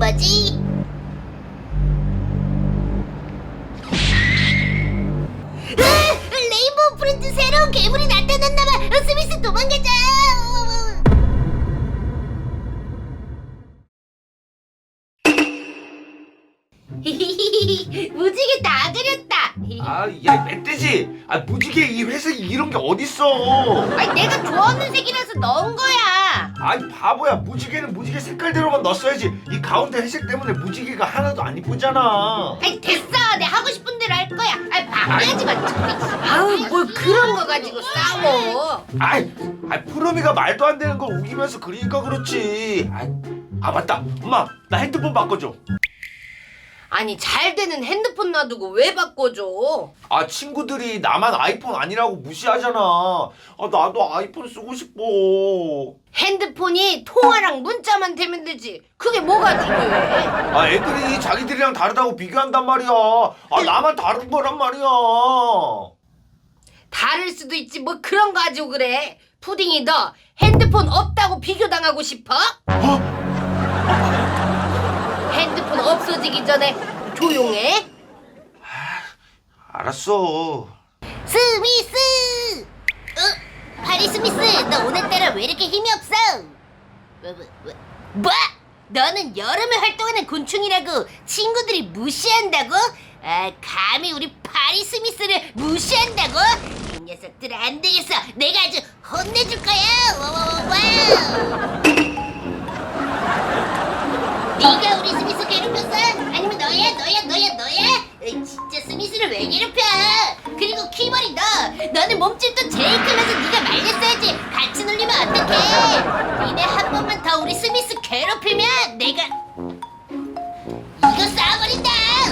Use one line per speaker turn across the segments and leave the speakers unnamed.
뭐지? 레인보우 프린트 새로운 괴물이 나타났나봐. 스미스 도망가자. 무지개 다 그렸다.
야 멧돼지! 무지개 이 회색이 이런 게 어딨어?
아니 내가 좋아하는 색이라서 넣은 거야.
아이 바보야, 무지개는 무지개 색깔대로만 넣었어야지. 이 가운데 회색 때문에 무지개가 하나도 안 이쁘잖아.
아니 됐어, 내 하고 싶은 대로 할 거야. 아니 방해하지 마. 아우 뭘 그런 거 가지고 싸워.
푸르미가 말도 안 되는 걸 우기면서 그리니까 그렇지. 맞다, 엄마 나 핸드폰 바꿔줘.
아니 잘 되는 핸드폰 놔두고 왜 바꿔줘?
친구들이 나만 아이폰 아니라고 무시하잖아. 나도 아이폰 쓰고 싶어.
핸드폰이 통화랑 문자만 되면 되지. 그게 뭐가 중요해?
애들이 자기들이랑 다르다고 비교한단 말이야. 나만 다른 거란 말이야.
다를 수도 있지 뭐 그런 거 가지고 그래. 푸딩이 너 핸드폰 없다고 비교당하고 싶어? 핸드폰 없어지기 전에 조용해.
알았어.
스미스! 파리 스미스, 너 오늘따라 왜 이렇게 힘이 없어? 뭐? 너는 여름에 활동하는 곤충이라고 친구들이 무시한다고? 감히 우리 파리 스미스를 무시한다고? 이 녀석들 안 되겠어. 내가 아주 혼내줄 거야. 와와와와. 네가 우리 스미스 괴롭혔어? 아니면 너야? 진짜 스미스를 왜 괴롭혀? 그리고 키머리 너는 몸집도 제일 크면서 네가 말렸어야지. 같이 놀리면 어떡해? 니네 한 번만 더 우리 스미스 괴롭히면 내가 이거 쏴버린다.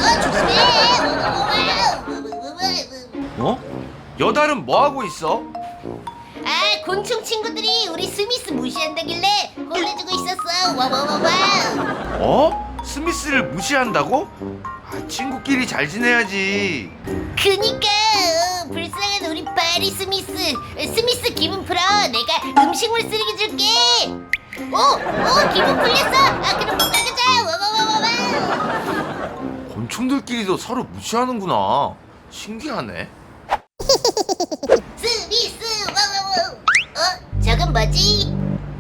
조심해.
여달은 뭐 하고 있어?
곤충 친구들이 우리 스미스 무시한다길래 혼내주고 있었어. 와와와와.
스미스를 무시한다고? 친구끼리 잘 지내야지.
그니까 불쌍한 우리 파리 스미스. 스미스 기분 풀어. 내가 음식물 쓰레기 줄게. 기분 풀렸어. 그럼 못 가자. 와와와와와.
곤충들끼리도 서로 무시하는구나. 신기하네.
스미스 와와와. 저건 뭐지?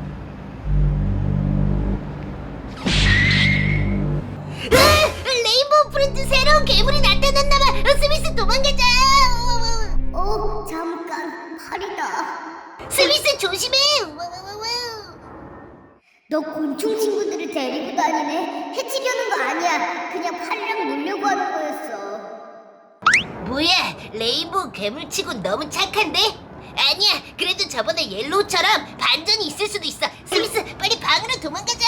레인보우 프린트 새로운 괴물이 나타났나봐. 스미스 도망가자.
잠깐 팔이다.
스미스 조심해.
너 곤충 친구들을 데리고 다니네. 해치려는 거 아니야. 그냥 팔이랑 놀려고 하는 거였어.
뭐야, 레인보우 괴물치고 너무 착한데? 아니야, 그래도 저번에 옐로우처럼 반전이 있을 수도 있어. 스미스 빨리 방으로 도망가자.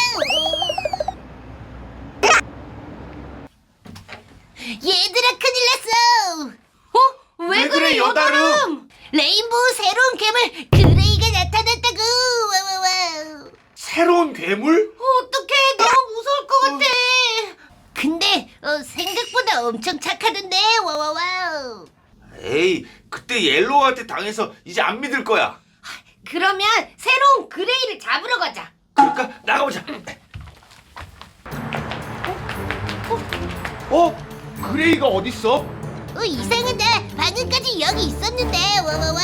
얘들아 큰일 났어.
왜 그래, 여다름?
레인보우 새로운 괴물 그레이가 나타났다고. 와와와.
새로운 괴물?
어떡해, 너무 무서울 것 같아. 근데 생각보다 엄청 착하던데. 와와와.
에이, 그때 옐로우한테 당해서 이제 안 믿을 거야.
그러면 새로운 그레이를 잡으러 가자.
그러니까 나가보자. 그레이가 어딨어?
이상하다. 방금까지 여기 있었는데. 와와와.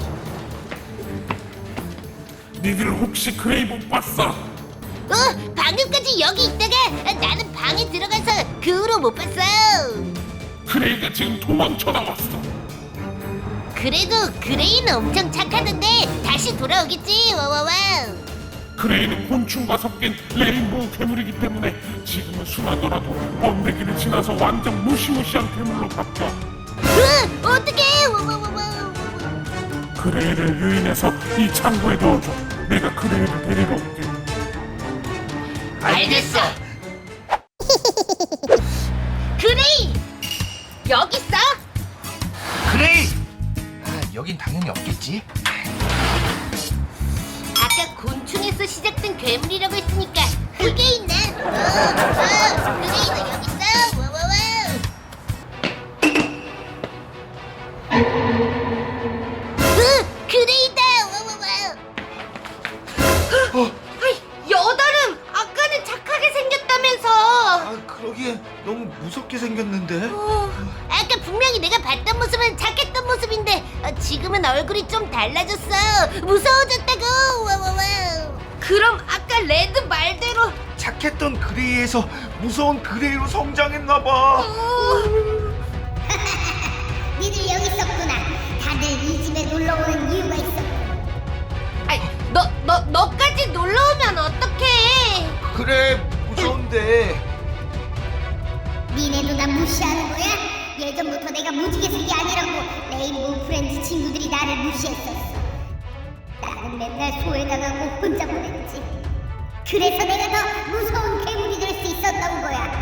니들 혹시 그레이 못 봤어?
방금까지 여기 있다가 나는 방에 들어가서 그 후로 못 봤어.
그레이가 지금 도망쳐 나왔어.
그래도 그레이는 엄청 착하던데 다시 돌아오겠지. 와와와.
그레이는 곤충과 섞인 레인보우 괴물이기 때문에 지금은 순하더라도 번데기를 지나서 완전 무시무시한 괴물로 바뀌어.
어떡해. 와와와와.
그레이를 유인해서 이 창고에 넣어줘. 내가 그레이를 데리러 올게.
알겠어. 그레이 여기 있어?
그레이! 여긴 당연히 없겠지.
아까 곤충에서 시작된 괴물이라고 했으니까 흙에 있네. 그레이도 여기 있어. 와와와. 그레이다. 와와와. 여다름 아까는 착하게 생겼다면서.
생겼는데?
아까 분명히 내가 봤던 모습은 착했던 모습인데 지금은 얼굴이 좀 달라졌어. 무서워졌다고. 와와와. 그럼 아까 레드 말대로
착했던 그레이에서 무서운 그레이로 성장했나봐.
니들 여기 있었구나. 다들 이 집에 놀러 오는 이유가 있어.
아이, 너까지 놀러 오면 어떡해?
그래, 무서운데.
니네도 난 무시하는 거야? 예전부터 내가 무지개색이 아니라고 레인보우 프렌즈 친구들이 나를 무시했었어. 나는 맨날 소외당하고 혼자 보냈지. 그래서 내가 더 무서운 괴물이 될 수 있었던 거야.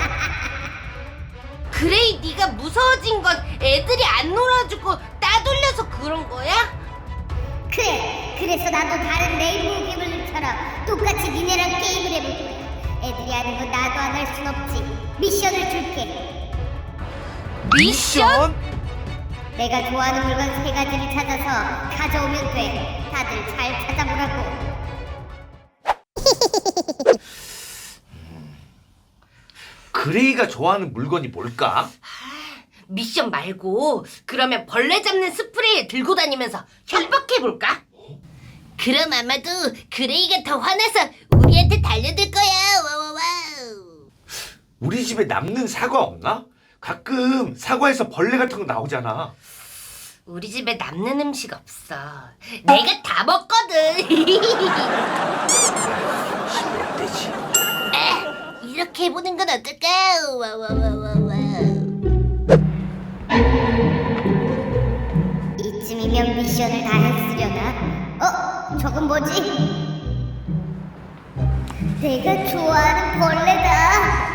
그레이 네가 무서워진 건 애들이 안 놀아주고 따돌려서 그런 거야?
그래, 그래서 나도 다른 레인보우 괴물들처럼 똑같이 니네랑 게임을 해볼 거야. 애들이 하는 거 나도 안 할 순 없지. 미션을 줄게.
미션?
내가 좋아하는 물건 3가지를 찾아서 가져오면 돼. 다들 잘 찾아보라고.
그레이가 좋아하는 물건이 뭘까?
미션 말고 그러면 벌레 잡는 스프레이 들고 다니면서 협박해볼까? 그럼 아마도 그레이가 더 화나서 우리한테 달려들 거야. 와와와.
우리 집에 남는 사과 없나? 가끔 사과에서 벌레 같은 거 나오잖아.
우리 집에 남는 음식 없어. 내가 다 먹거든.
몇 대지?
이렇게 해보는 건 어떨까? 와와와와와.
이쯤이면 미션을 다 했으려나? 저건 뭐지? 내가 좋아하는 벌레다.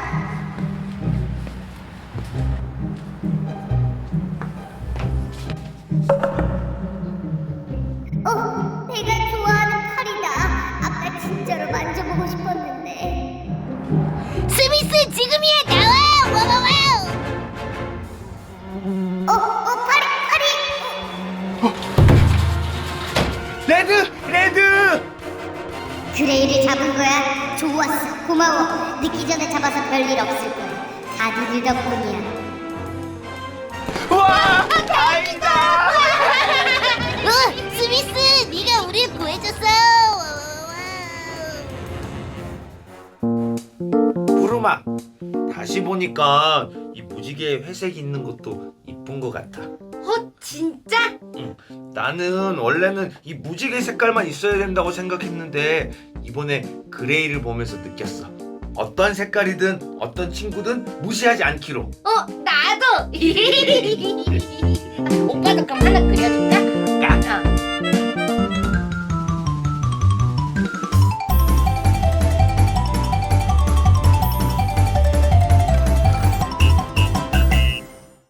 내가 좋아하는 팔이다. 아까 진짜로 만져보고 싶었는데.
스미스 지금이야 나와. 와와와.
팔이.
레드!
그레이를 잡은 거야? 좋았어. 고마워. 늦기 전에 잡아서 별일 없을 거야. 다 니들 덕분이야.
와, 다행이다.
스미스 네가 우리를 구해줬어.
부르마, 다시 보니까 이 무지개 회색이 있는 것도 이쁜 것 같아.
진짜?
응, 나는 원래는 이 무지개 색깔만 있어야 된다고 생각했는데 이번에 그레이를 보면서 느꼈어. 어떤 색깔이든 어떤 친구든 무시하지 않기로.
나도. 오빠도 그럼 하나 그려줄까?